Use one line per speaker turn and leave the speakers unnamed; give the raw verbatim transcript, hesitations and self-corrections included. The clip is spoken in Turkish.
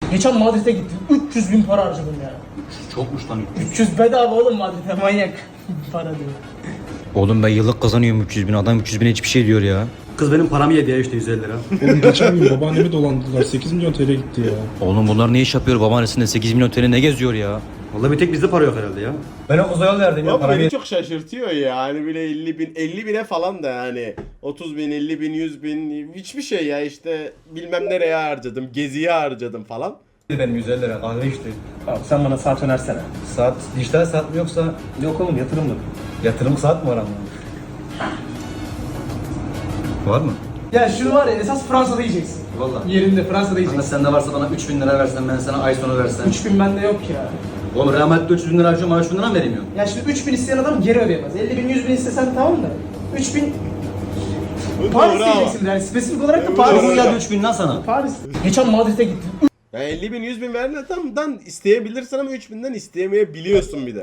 Geçen Madrid'e gittim. üç yüz bin para harcadım ya.
Çokmuş lan.
üç yüz bedava oğlum Madrid'e, manyak. Para diyor.
Oğlum ben yıllık kazanıyorum üç yüz bin. Adam üç yüz bin hiçbir şey diyor ya. Kız benim paramı yedi ya işte yüz elli lira.
Oğlum geçen gün babaannemi dolandırdılar. sekiz milyon T L gitti ya.
Oğlum bunlar ne iş yapıyor? Babaannesinde sekiz milyon T L ne geziyor ya? Vallahi bir tek bizde para yok herhalde ya. Ben o kıza yol verdim ya.
Ama
Paramı
beni çok şaşırtıyor ya. Hani bile elli bin, elli bine falan da yani. otuz bin, elli bin, yüz bin hiçbir şey ya işte bilmem nereye harcadım, geziye harcadım falan.
yedi benim yüz elli lira kahve içti.
Abi sen bana saat önersene.
Saat dijital saat mi yoksa
Yok oğlum, yatırımlı.
yatırım saat mi var ama? Var mı?
Ya şunu var ya, esas Fransa'da yiyeceksin.
Vallahi.
Yerinde Fransa'da
Kanka
yiyeceksin.
sende varsa bana üç bin lira versen ben sana ay sonu versem.
üç bin bende yok ya.
Oğlum Real Madrid'de üç yüz bin lira harcıyorum bana üç bin lira mı veremiyor?
Ya şimdi üç bin isteyen adam geri ödeyemez. elli bin, yüz bin istesen tamam da. üç bin Paris
Bravo.
diyeceksin yani, spesifik olarak da
Evet,
Paris.
doğru.
Nasıl geldi üç bin lan sana?
Paris. Geçen Madrid'e gittim.
Ya elli bin, yüz bin verdiğinden isteyebilirsin ama üç binden isteyemeyebiliyorsun bir de.